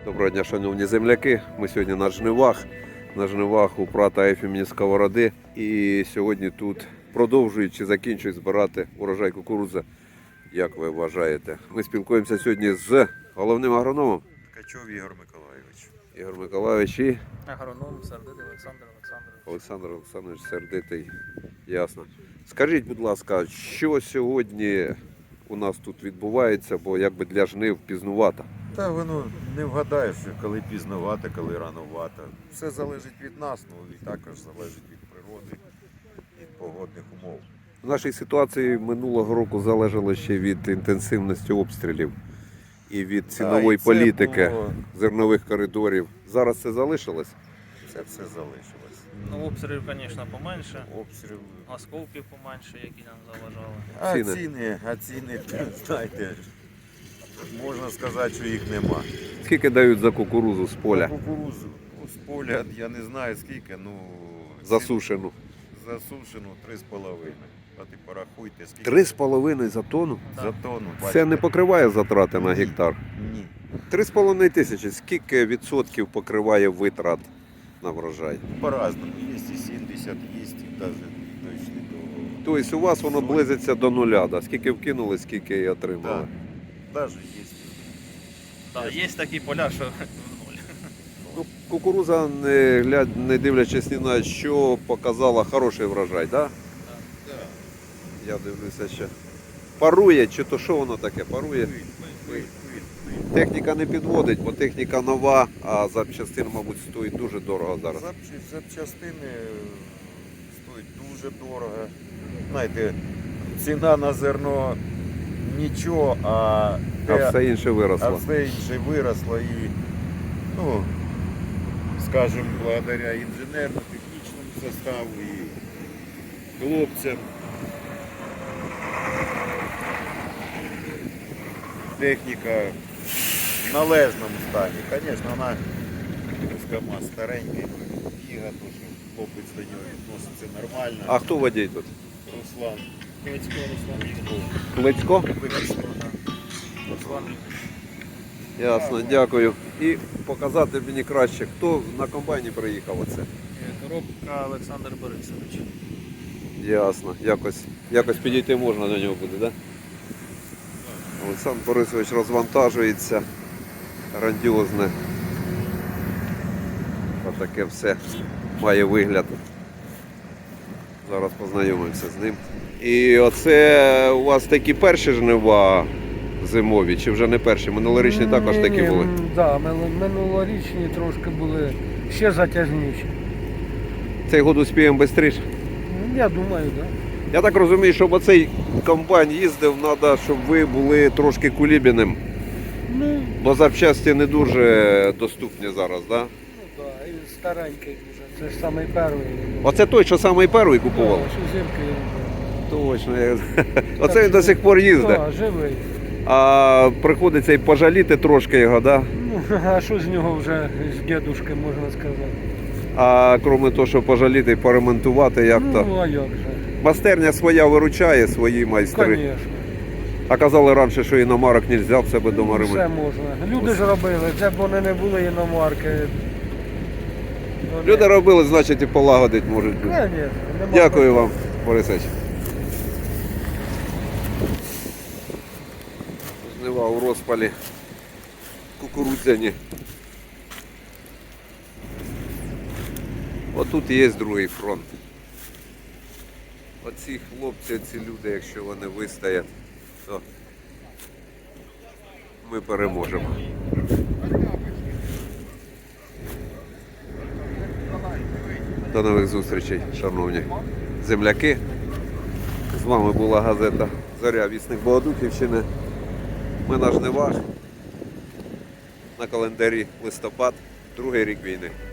Доброго дня, шановні земляки. Ми сьогодні на жнивах. На жнивах у брата Ефімні Сковороди. І сьогодні тут продовжують чи закінчують збирати урожай кукурудзи. Як ви вважаєте? Ми спілкуємося сьогодні з головним агрономом. Ткачов Ігор Миколайович. Ігор Миколайович і Агроном Сердитий Олександр Олександрович. Олександр Олександрович Сердитий. Ясно. Скажіть, будь ласка, що сьогодні у нас тут відбувається, бо якби для жнив пізнувато. Та воно не вгадаєш, коли пізновато, коли рановато. Все залежить від нас, ну і також залежить від природи, від погодних умов. В нашій ситуації минулого року залежало ще від інтенсивності обстрілів і від цінової і це політики, було- зернових коридорів. Зараз це залишилось? Це все залишилось. Ну, обстрілів, звісно, поменше, Обстріл. осколків поменше, які нам заважали. А ціни, знаєте, можна сказати, що їх нема. Скільки дають за кукурузу з поля? Кукурузу з поля, я не знаю скільки, ну... Засушену. Засушену 3,5. А ти порахуйте, скільки... 3,5 за тонну? За тонну. Це бачите? не покриває затрати на гектар? Ні. 3,5 тисячі. Скільки відсотків покриває витрат на врожай? По-разному. Є і 70, є і навіть точно до... Тобто у вас воно близиться до нуля, да? Скільки вкинули, скільки і отримали? Так. Навіть є. Так, є такі поля, що в нуль. Ну, кукуруза, не дивлячись ні на що, показала хороший врожай, так? Да? Я дивлюся ще. Парує, чи то що воно таке? Парує? Техніка не підводить, бо техніка нова, а запчастин, мабуть, стоїть дуже дорого зараз. Запчастини стоять дуже дорого. Знаєте, ціна на зерно нічого, А все інше виросло. все інше виросло і, ну, скажімо, благодаря інженерно-технічному составу і хлопцям. Техніка в належному стані. Звісно, вона КамАЗ старенький, біга, то що хлопець до нього відноситься нормально. А хто водій тут? Руслан. Клицько, Руслан Вікторович. Клицько? Руслан Ясно, дякую. І показати мені краще, хто на комбайні приїхав оце. Коробка Олександр Борисович. Ясно. Якось підійти можна до нього буде, так? Да? Олександр Борисович розвантажується. Грандіозне. Отаке все має вигляд. Зараз познайомимося з ним. І оце у вас такі перші жнива зимові, чи вже не перші? Минулорічні також такі були? Так, минулорічні трошки були ще затяжніші. Цей год успіємо швидше? Я думаю, так. Я так розумію, щоб оцей комбайн їздив, треба, щоб ви були трошки кулібіним. Ну, Бо запчасті не дуже доступні зараз, так? Да? ну так, і старенький вже. Це ж самий перший. Оце той, що самий перший купував? Так, що зимки. Точно. Оце він до сих пор їздить. Так, живий. А приходиться і пожаліти трошки його, так? Да? Ну, а що з нього вже з дідушки, можна сказати? А крім того, що пожаліти і поремонтувати, як то? Ну, а як же? Майстерня своя виручає, свої майстри. Звісно. А казали раніше, що іномарок не можна в себе вдома Все ремонтувати. можна. Люди ж робили, це б вони не були іномарки. Люди робили, значить і полагодить можуть бути. Звісно. Дякую вам, Борисович. Жнива у розпалі кукурудзяні. Отут є другий фронт. Оці хлопці, ці люди, якщо вони вистоять, то ми переможемо. До нових зустрічей, шановні земляки. З вами була газета Зоря, вісник Богодухівщини. Ми на жнивах. На календарі листопад, другий рік війни.